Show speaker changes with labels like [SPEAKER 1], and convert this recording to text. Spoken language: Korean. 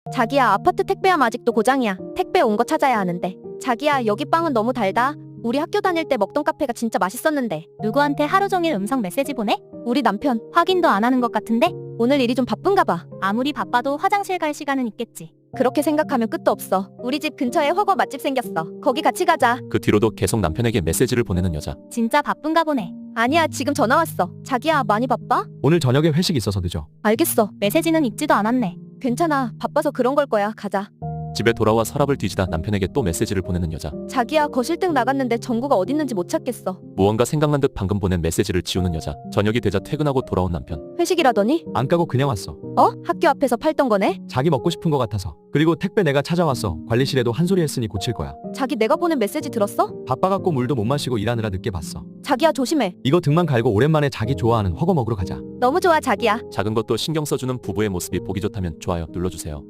[SPEAKER 1] 자기야, 아파트 택배함 아직도 고장이야. 택배 온 거 찾아야 하는데. 자기야, 여기 빵은 너무 달다. 우리 학교 다닐 때 먹던 카페가 진짜 맛있었는데.
[SPEAKER 2] 누구한테 하루 종일 음성 메시지 보내?
[SPEAKER 1] 우리 남편,
[SPEAKER 2] 확인도 안 하는 것 같은데?
[SPEAKER 1] 오늘 일이 좀 바쁜가 봐.
[SPEAKER 2] 아무리 바빠도 화장실 갈 시간은 있겠지.
[SPEAKER 1] 그렇게 생각하면 끝도 없어. 우리 집 근처에 허거 맛집 생겼어. 거기 같이 가자.
[SPEAKER 3] 그 뒤로도 계속 남편에게 메시지를 보내는 여자.
[SPEAKER 2] 진짜 바쁜가 보네.
[SPEAKER 1] 아니야, 지금 전화 왔어. 자기야, 많이 바빠?
[SPEAKER 4] 오늘 저녁에 회식 있어서 늦어.
[SPEAKER 1] 알겠어.
[SPEAKER 2] 메시지는 읽지도 않았네.
[SPEAKER 1] 괜찮아. 바빠서 그런 걸 거야. 가자.
[SPEAKER 3] 집에 돌아와 서랍을 뒤지다 남편에게 또 메시지를 보내는 여자.
[SPEAKER 1] 자기야, 거실등 나갔는데 전구가 어딨는지 못 찾겠어.
[SPEAKER 3] 무언가 생각난 듯 방금 보낸 메시지를 지우는 여자. 저녁이 되자 퇴근하고 돌아온 남편.
[SPEAKER 1] 회식이라더니?
[SPEAKER 4] 안 까고 그냥 왔어.
[SPEAKER 1] 학교 앞에서 팔던 거네?
[SPEAKER 4] 자기 먹고 싶은 거 같아서. 그리고 택배 내가 찾아왔어. 관리실에도 한 소리 했으니 고칠 거야.
[SPEAKER 1] 자기 내가 보낸 메시지 들었어?
[SPEAKER 4] 바빠갖고 물도 못 마시고 일하느라 늦게 봤어.
[SPEAKER 1] 자기야, 조심해.
[SPEAKER 4] 이거 등만 갈고 오랜만에 자기 좋아하는 허거 먹으러 가자.
[SPEAKER 1] 너무 좋아, 자기야.
[SPEAKER 3] 작은 것도 신경 써주는 부부의 모습이 보기 좋다면 좋아요 눌러주세요.